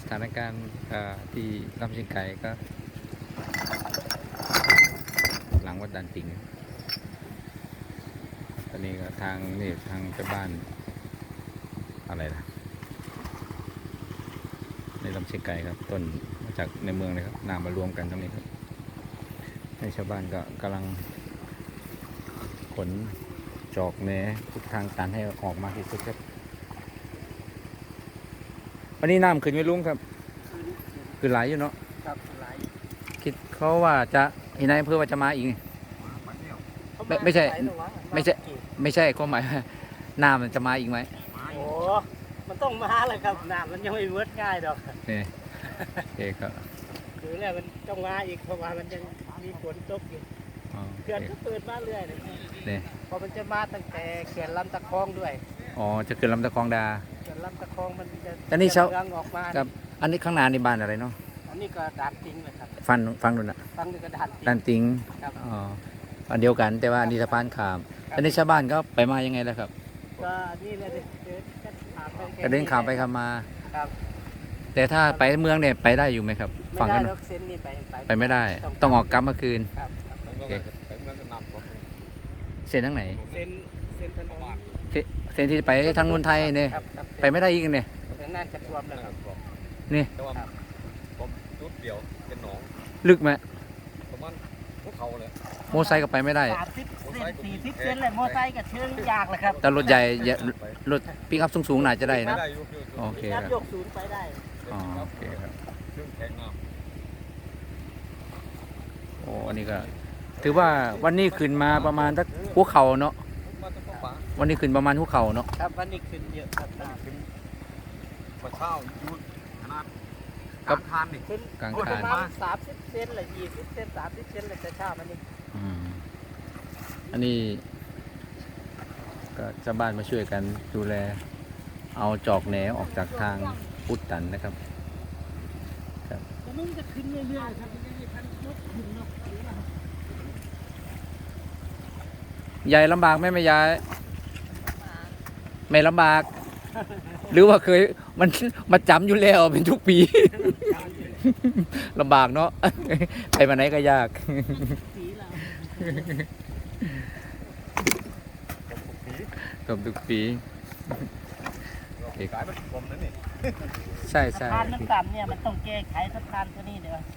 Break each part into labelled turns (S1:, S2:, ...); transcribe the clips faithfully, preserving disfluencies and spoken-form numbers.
S1: ถานการณ์ที่ลำเชียงไก่ก็หลังวัดดันติงตอนนี้ก็ทางนี่ทางไปบ้านอะไรนะในลำเชียงไก่ครับต้นมาจากในเมืองเลยครับนำมารวมกันตรงนี้ครับในชาวบ้านก็กำลังขนจอกแหนทุกทางตันให้ออกมาที่สุดครับวันนี้น้ำขึ้นไม่ลุงครับคือไหลอยู่เนาะ
S2: ครับไหล
S1: คิดเขาว่าจะเห็นนายอำเภอว่าจะมาอีกไม่ไม่ใช่ไม่ใช่ไม่ใช่ก็หมายน้ำมันจะมาอีกไหม
S2: โอ้มันต้องมาเลยครับน้ำมันยังไม่เวิร์ดง่ายดอก
S1: นี่โอเคครับ
S2: คือแล้วมันต้องมาอีกเพราะว่ามันยังมีฝนตกอยู่เขื่อนก็เปิดมาเรื่อยเลย
S1: นี่
S2: พอมันจะมาตั้งแต่เขื่อนลำตะคองด้วย
S1: อ๋อจะเกิดลำตะคองดา
S2: เขื่อนลำตะคองมันจะ
S1: อันนี้เช้า
S2: ออกมา
S1: ครับอันนี้ข้างหน้าในบ้านอะไรเนาะ
S2: อันนี้ก็ด่านติงเลยครับ
S1: ฟังฟังดูนะ
S2: ฟังดูก็ด่านติง
S1: ด่านติง
S2: ครับ
S1: อ๋ออันเดียวกันแต่ว่าอันนี้สะพานขามอันนี้ชาวบ้านก็ไปมายังไงแล้วครับ
S2: ก็นี่เลยเดินข้ามไป
S1: กระเด็นขามไปขามมา
S2: ครับ
S1: แต่ถ้าไปเมืองเนี่ยไปได้อยู่ไหมครับ
S2: ฝั่ง
S1: กัน
S2: เส้นนี้ไป
S1: ไปไม่ได้ต้องออกกลับเมื่อคืนเส้นทางไหน
S2: เส้นเส้นถนน
S1: เส้นที่ไปทางนนไทยเนี่ยไปไม่ได้อีกเนี่ย
S2: น่าจะท่วมแล้วครับ
S1: นี่
S3: ผมจุดเดียวเป็นหนอง
S1: ลึกไหม
S3: ประมาณพวกเขาเลย
S1: โมไซค์ก็ไปไม่ได้
S2: สามสิบเซนสี่สิบเซนเลยโมไซค์ก็เชิงยากเลยครับ
S1: แต่รถใหญ่รถปิกอัพสูงๆน่าจะได้นะโอเคครับ
S2: ยกศูนย์ไปได้
S1: อ๋อโอเคครับ
S3: ซึ่งแข็งมาก
S1: โอ้อันนี้ก็ถือว่าวันนี้ขึ้นมาประมาณสักหัวเข่าเนาะวันนี้ขึ้นประมาณหัวเข่าเนาะ
S2: ครับวันนี้ขึ้นเยอะครับ
S3: ขึ้นกระเช้ายุดขนาดกลางคานนี่
S2: ขึ้น
S1: กลาง
S2: คาน
S1: ประ
S2: มาณสามสิบเซนเลยยี่สิบเซนสามสิบเซนเลยจะเช้ามันนี่
S1: อันนี้ก็ชาวบ้านมาช่วยกันดูแลเอาจอกแหนออกจากทางอุดตันนะครับครับ
S2: มันจะขึ้นเรื่อยๆครับ
S1: ยายลำบากไหมไม่ยายไม่ลำบาก หรือว่าเคยมันมาจำอยู่แล้วเป็นทุกปี ลำบากเนาะไปมาไหนก็ยากตบทุกปี
S3: กลายเป็นผมนั่นนี่
S1: ใช่ใช่
S2: สะพานมันต่ำเนี่ยมันต้องแก้ไขสะพานตัวนี้เดี๋ยว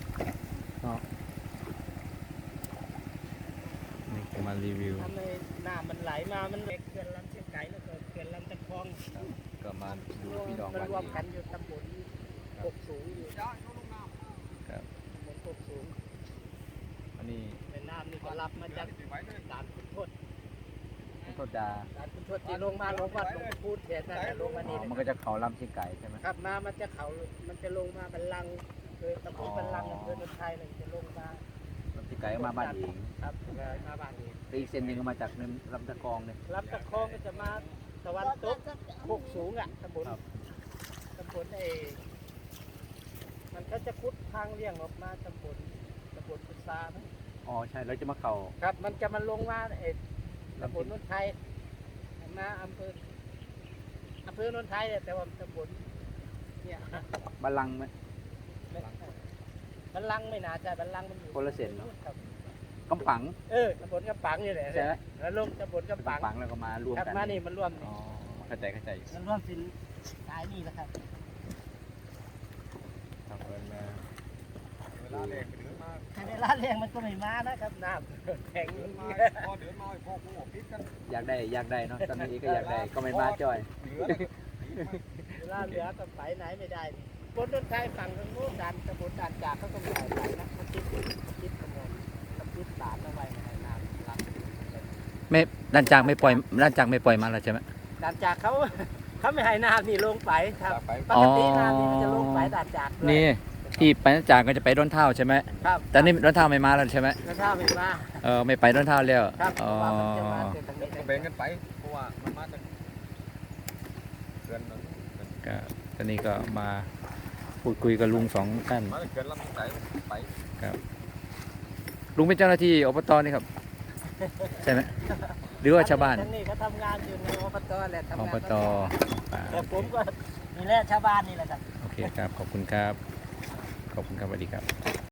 S1: นี่มารีวิว
S2: ทำไมน้ำมันไหลมามันเขื่อนลำเชียงไก่แล้วก็เขื่อนลำตะคอง
S1: ก็มาดูพี่น้อง
S2: มันรวมกันอยู่ตำบลกกสูงอยู่
S1: ครับ
S2: ตำบลกกสูง
S1: อันนี้
S2: ในน้ำนี่ก็รับมาจากด่านคุณทศ
S1: คุณทศดา
S2: ด่านคุณทศที่ลงมาลงวัดลงพูดแทนนั่นแหละลงมานี่
S1: มันก็จะเขาลำเชียงไก่ใช่ไหม
S2: ครับมามันจะเขามันจะลงมาบันลังคือตำบลบันลังอำเภอโนนไทยเลยจะลงมา
S1: ลำเชียงไก่มาบ้านเอง
S2: ครับมาบ้านเอง
S1: อีกเส้นหนึ่งก็มาจากลำตะกองเลย
S2: ลำตะคองก็จะมาตะวันตกโคกสูงอ่ะตำบลตำบลไอ้มันก็จะคุดทางเลี่ยงออกมาตำบลตำบลพุทรานะ
S1: อ๋อใช่แล้วจะมาเข่า
S2: ครับมันจะมาลงมาไอ้ตำบลนนไทยมาอำเภออำเภอนนไทยแต่ว่าตำบลเนี่ย
S1: บัลลังไหม
S2: บัลลังไม่น่าจะบัลลังมันอยู่
S1: คนละเส้นเนาะกำปัง
S2: เออตำบลกำปังนี่แหละ
S1: ใช่ไหม
S2: แล้วลงตำบลกำปัง
S1: ปังแล้วก็มารวมกัน
S2: มานี่มันรวม
S1: อ๋อเข้าใจเข้าใจ
S2: มันรวมสินสายนี่แหละครับ
S1: ครับเวลา
S3: เวลาแรงเดือดมาก
S2: เวลาแรงมันก็ไม่มานะครับน้ำแข็ง
S3: มาพอเดือดมาพอกูปิดกัน
S1: อยากได้อยากได้เนาะตอนนี้ก็อยากได้ก็ไม่มาจ่อย
S2: เวลาเหลือก็ไปไหนไม่ได้บนต้นไทรฝั่งทางโน้นด่านตำบลด่านจากเขาต้องไหลไหลนะเขาติดติดตรงนั้นเขาติดสารเอาไว้ในน้ำรัก
S1: ไม่ด้านจากไม่ปล่อยด้านจากไม่ปล่อยมาแล้วใช่ไหม
S2: ด่านจากเขาเขาไม่ให้น้ำนี่ลงไปครับปกติน้ำนี่มันจะลงไปด่านจาก
S1: นี่ที่ไปด้านจากก็จะไปด้นเท่าใช่ไหม
S2: ครับ
S1: แต่นี่ด้นเท่าไม่มาแล้วใช่ไหม
S2: ด้นเท่าไม่มา
S1: เออไม่ไปด้นเท่าแล้ว
S2: ครับ
S1: อ๋อ
S3: แบ่งกันไปเพราะว่ามันมาจากเกินนั้น
S1: ก็ตอนนี้ก็มาพูดคุยกับลุงสองท่าน
S3: มาเกินลำไส้ไป
S1: ครับลุงเป็นเจ้าหน้าที่อบตนี่ครับใช่ไหมหรือว่าชาวบ้าน
S2: นี่เขาทำงานอยู่ในอบตแหละทำงาน
S1: อบต
S2: แต่ผมก็นี่แหละชาวบ้านนี่แหละครับ
S1: โอเคครับ ขอบคุณครับ ขอบคุณครับสวัสดีครับ